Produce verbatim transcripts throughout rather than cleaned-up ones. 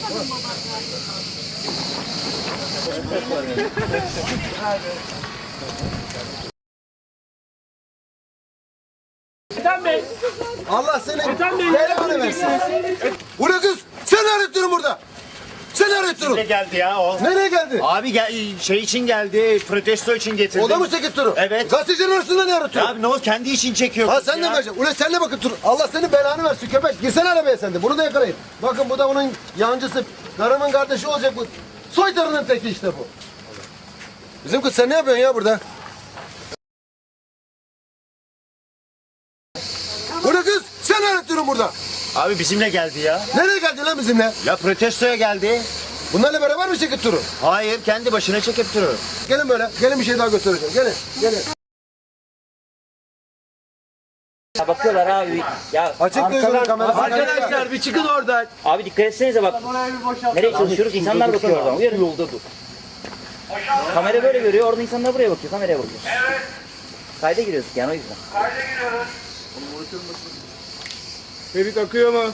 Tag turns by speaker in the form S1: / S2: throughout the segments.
S1: Ethem Bey.
S2: Allah seni
S1: Ethem Bey.
S2: belanı versin. Bu ne kız? Sen ne arıyorsun burada? Sen ne arıyorsun?
S3: Ne geldi ya o?
S2: Nereye geldi?
S3: Abi gel, şey için geldi, protesto için getirdim.
S2: O da mı çekip durun?
S3: Evet.
S2: Gazetecilerin arasında ne arıyorsun?
S3: Abi ne o kendi için çekiyor.
S2: Ha
S3: kız
S2: sen de
S3: ya.
S2: mi vereceksin? Ulan sen de bakın dur. Allah senin belanı versin köpek. Girsene arabaya sen de. Bunu da yakalayın. Bakın bu da bunun yancısı. Karımın kardeşi olacak bu. Soytarının teki işte bu. Bizim kız sen ne yapıyorsun ya burada? Bu ne kız? Sen ne arıyorsun burada?
S3: Abi bizimle geldi ya.
S2: Nereye geldin lan bizimle?
S3: Ya protestoya geldi.
S2: Bunlarla beraber mi çekip durun?
S3: Hayır, kendi başına çekip durur.
S2: Gelin böyle. Gelin bir şey daha göstereceğim. Gelin. Gelin.
S4: Ya bakıyorlar abi. Ya
S2: Açık gözünü kamerası.
S1: Arkadaşlar bir çıkın oradan.
S4: abi dikkat etsenize bak. Nereye çalışıyoruz? İnsanlar bakıyor oradan. Uyarın. Yolda dur. Kamera böyle görüyor. Orada insanlar buraya bakıyor. Kameraya bakıyor. Evet. Kayda giriyoruz yani o yüzden.
S1: Ferit akıyor mu?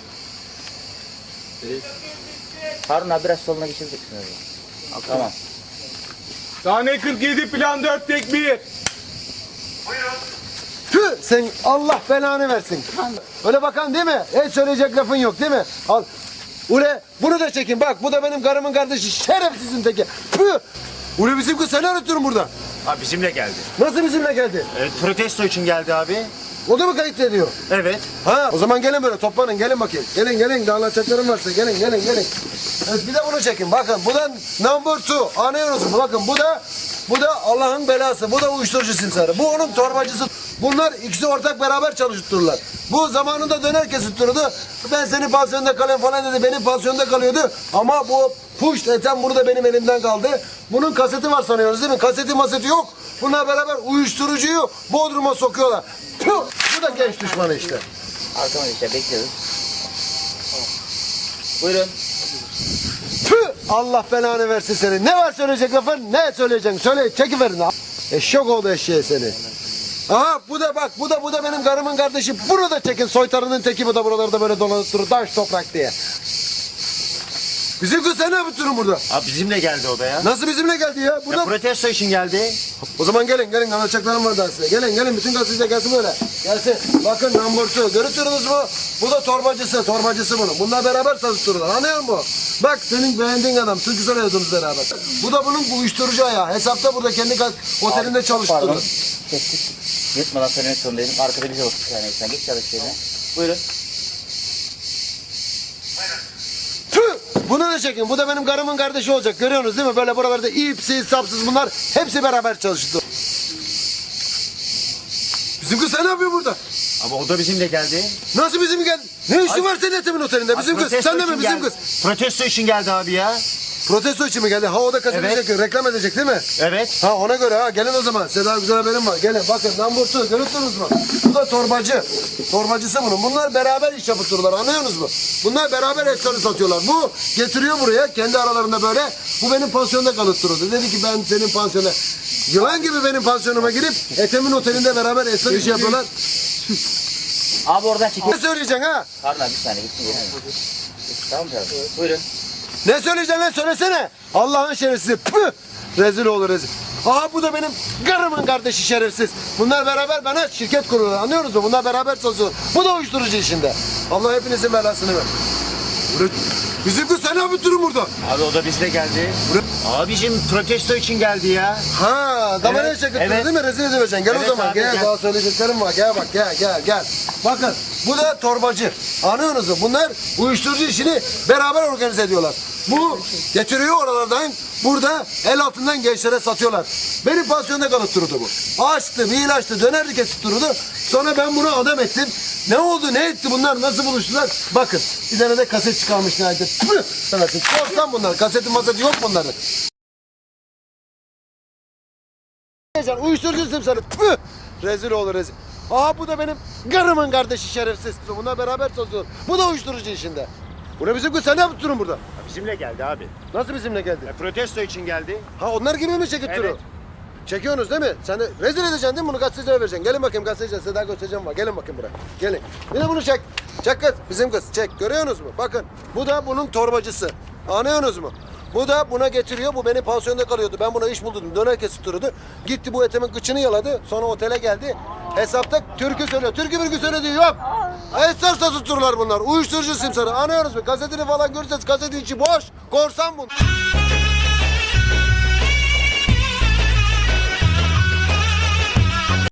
S4: Harun abi biraz soluna geçireceksin öyle. Tamam.
S1: Sahne kırk yedi plan dört tek bir.
S2: Tüh sen Allah belanı versin. Öyle bakan değil mi? Hiç söyleyecek lafın yok değil mi? Al. Ule bunu da çekin bak bu da benim karımın kardeşi şerefsizin teki. Tüh. Ule bizim kız seni arıtıyorum burada.
S3: Abi bizimle geldi.
S2: Nasıl bizimle geldi?
S3: Evet, protesto için geldi abi.
S2: O da mı kayıt ediyor?
S3: Evet.
S2: Ha o zaman gelin böyle toplanın gelin bakayım. Gelin gelin daha anlatacaklarım varsa gelin gelin gelin. Evet, bir de bunu çekin bakın bu da number two anlıyorsunuz mu? Bakın bu da bu da Allah'ın belası bu da uyuşturucu simsarı. Bu onun torbacısı. Bunlar ikisi ortak beraber çalıştırırlar. Bu zamanında döner kesittirdi. Ben senin pansiyonda kalayım falan dedi. Benim pansiyonda kalıyordu. Ama bu puş eten bunu da benim elimden kaldı. Bunun kaseti var sanıyorsunuz değil mi? Kaseti maseti yok. Bunlar beraber uyuşturucuyu Bodrum'a sokuyorlar. Tüh! Bu da genç düşmanı işte.
S4: Arkama işte bekliyoruz. Buyurun.
S2: Tüh! Allah belanı versin seni. Ne var söyleyecek lafın? Ne söyleyeceksin? Söyle çekiverin. Eşek oldu eşeğe seni. Aha bu da bak bu da bu da benim karımın kardeşi. Bunu da çekin soytarının teki bu da buralarda böyle dolanıp durur taş toprak diye. Bizim kız sen ne yapıyorsun burada?
S3: Abi bizimle geldi o da ya.
S2: Nasıl bizimle geldi ya? Burada...
S3: Ya protesto için geldi.
S2: O zaman gelin gelin anlatacaklarım var daha size. Gelin gelin bütün gazeteciler gelsin böyle. Gelsin. Bakın namburtu görüyorsunuz mu? Bu da torbacısı torbacısı bunun. Bunlar beraber çalıştırırlar anlıyor musun? Bak senin beğendiğin adam Türk'ü söylüyordunuz beraber. Bu da bunun bu uyuşturucu ayağı. Hesapta burada kendi otelinde çalıştırır.
S4: Pardon. Kestik. Yırtmadan söylemek zorundaydım. Arkada bize baktık yani. Sen geç çalış yerine. Buyurun.
S2: Tüh! Bunu da çekin. Bu da benim karımın kardeşi olacak. Görüyorsunuz değil mi? Böyle buralarda ipsiz, sapsız bunlar hepsi beraber çalıştı. Bizim kız sen ne yapıyor burada?
S3: Ama o da bizimle geldi.
S2: Nasıl bizim geldi? Ne işin var senin Ethem'in otelinde? Bizim
S3: Abi
S2: kız.
S3: protesto
S2: Sen de mi
S3: için
S2: bizim
S3: geldi.
S2: kız?
S3: Protesto için geldi abi ya.
S2: Protesto için mi geldi? Ha o da kaseti
S3: Evet.
S2: çekiyor. Reklam edecek değil mi?
S3: Evet.
S2: Ha ona göre ha. Gelin o zaman. Size daha güzel haberim var. Gelin bakın. Lamburtu görüyorsunuz mu? Bu da torbacı. Torbacısı bunun. Bunlar beraber iş yapıp dururlar. Anlıyorsunuz mu? Bunlar beraber efsane satıyorlar. Bu getiriyor buraya. Kendi aralarında böyle. Bu benim pansiyonda kalıp dururdu. Dedi ki ben senin pansiyona. Yılan gibi benim pansiyonuma girip Ethem'in otelinde beraber efsane iş yapıyorlar.
S4: Abi oradan
S2: Ne
S4: çekiyor.
S2: söyleyeceksin ha?
S4: Harun abi bir saniye gitsin yerine. Tamam canım. Buyurun.
S2: Ne söyleyeceksin lan söylesene. Allah'ın şerefsizi. Püh! Rezil olur rezil. Aha bu da benim karımın kardeşi şerefsiz. Bunlar beraber bana şirket kuruyorlar anlıyorsunuz mu? Bunlar beraber çalışıyorlar. Bu da uyuşturucu işinde. Allah hepinizin belasını ver. Bizim kız sen ne yapıyorsun burada?
S3: Abi o da bizle geldi. Abicim protesto için geldi ya.
S2: Ha, damaraya
S3: Evet,
S2: çekip
S3: evet.
S2: değil mi? Rezil edileceksin. Gel
S3: Evet
S2: o zaman.
S3: abi,
S2: gel,
S3: gel.
S2: daha söyleyeceklerim var. Gel bak gel gel gel. Bakın bu da torbacı. Anlıyorsunuz mu? Bunlar uyuşturucu işini beraber organize ediyorlar. Bu getiriyor oralardan burada el altından gençlere satıyorlar. Benim pansiyonda kalıp dururdu bu. Açtı, bir ilaçtı, dönerdi kesip dururdu. Sonra ben bunu adam ettim. Ne oldu, ne etti bunlar, nasıl buluştular? Bakın, bir tane de kaset çıkarmış nihayet. Tüh! Sanatın. Korsan bunlar, kasetin maseti yok bunların. Uyuşturucu simsarı. Tüh! Rezil olur rezil. Aha bu da benim karımın kardeşi şerefsiz. Bunlar beraber çalışıyor. Bu da uyuşturucu işinde. Bu ne bizim kız? Sen ne yapıp durun burada?
S3: Ya bizimle geldi abi.
S2: Nasıl bizimle geldi?
S3: Ya protesto için geldi.
S2: Ha onlar gibi mi çekip
S3: Evet.
S2: durun? Çekiyorsunuz değil mi? Sen de rezil edeceksin değil mi? Bunu gazetecilere vereceksin. Gelin bakayım gazeteciler size daha göstereceğim var. Gelin bakayım buraya. Gelin. Bir de bunu çek. Çek kız, bizim kız. Çek. Görüyorsunuz mu? Bakın. Bu da bunun torbacısı. Anlıyorsunuz mu? Bu da buna getiriyor. Bu benim pansiyonda kalıyordu. Ben buna iş buldum. Döner kesittirdi. Gitti bu etimin kıçını yaladı. Sonra otele geldi. Hesapta türkü söylüyor. Türkü mürkü söylediği yok. Esrar tuttururlar bunlar. Uyuşturucu simsarı. Anlıyorsunuz mu? Kasetini falan görürseniz kaseti içi boş. Korsan bu.